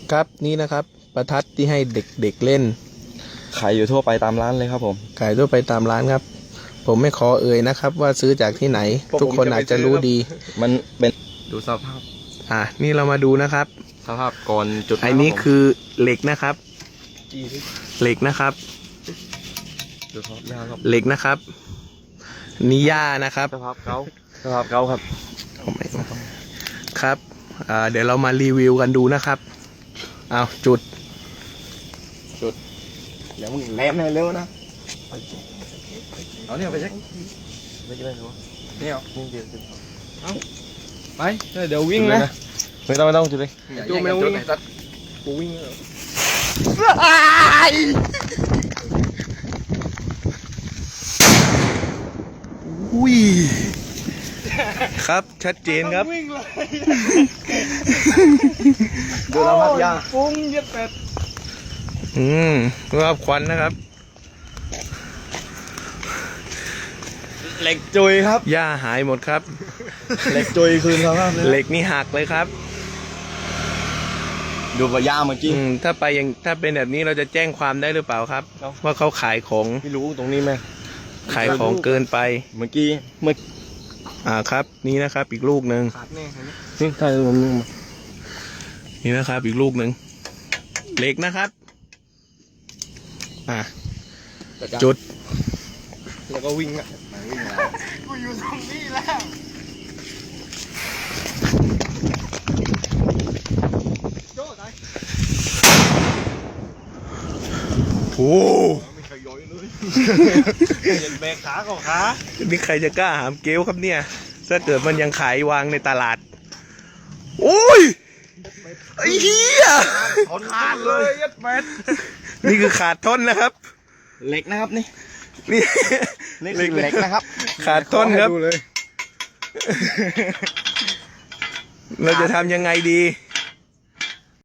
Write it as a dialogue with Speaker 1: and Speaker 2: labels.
Speaker 1: ครับนี่นะครับประทัดที่ให้เด็กๆเล่น
Speaker 2: ขายอยู่ทั่วไปตามร้านเลยครับผม
Speaker 1: ขายทั่วไปตามร้านครับผมไม่ขอเอ่ยนะครับว่าซื้อจากที่ไหนทุกคนอาจจะรู้ดี
Speaker 2: มันเป็นดูสภาพ
Speaker 1: นี่เรามาดูนะครับ
Speaker 2: สภาพก่อนจุด
Speaker 1: อันนี้คือเหล็กนะครับเหล็กนะครับ
Speaker 2: ดูสภาพยาครับ
Speaker 1: เหล็กนะครับนี่หญ้านะครับ
Speaker 2: สภาพเก่าครับ
Speaker 1: ครับเดี๋ยวเรามารีวิวกันดูนะครับเอาจุด
Speaker 2: เดี๋ยวมึงแหลมเร็วนะเอาเนี่ยไปเช็คไม่กินอะไรหรอเนี่ยนี่เดี๋ยวเอาไปเดี๋ยววิ่งนะไม่ต้องจุดเลย
Speaker 1: จูไม่ต้องวิ่งกูวิ่งอุ้ยครับชัดเจนครับ
Speaker 2: ดูเราพักยา
Speaker 1: ฟุ้งเย็ดเป็ดครับควันนะครับ
Speaker 2: เหล็กจุยครับ
Speaker 1: หญ้าหายหมดครับ
Speaker 2: เหล็กจุยคืนเขาครับ
Speaker 1: เหล็กนี่หักเลยครับ
Speaker 2: ดูว่ายาเมื่อกี้
Speaker 1: ถ้าเป็นแบบนี้เราจะแจ้งความได้หรือเปล่าครับว่าเขาขายของ
Speaker 2: ไม่รู้ตรงนี้ไหม
Speaker 1: ขายของเกินไป
Speaker 2: เมื่อกี้
Speaker 1: ครับนี่นะครับอีกลูกหนึ่ง
Speaker 2: นี่ถ่ายรูป
Speaker 1: นี่นะครับอีกลูกหนึ่งเหล็กนะครับจุด
Speaker 2: แล้วก็วิ่ง
Speaker 1: กูอยู่ตรงนี้แล้วโอ้
Speaker 2: ไม่เคยย้อยเลยเห็นแบกขาของขา
Speaker 1: นี่ใครจะกล้าหามเกลครับเนี่ยถ้าเกิดมันยังขายวางในตลาดโอ้ยไอ้เหี้ย
Speaker 2: ขาดเลยยัดเม็ด
Speaker 1: นี่คือขาดท่อนนะครับ
Speaker 2: เหล็กนะครับนี่
Speaker 1: เห
Speaker 2: ล็กนะครับ
Speaker 1: ขาดท่อนครับเราจะทำยังไงดี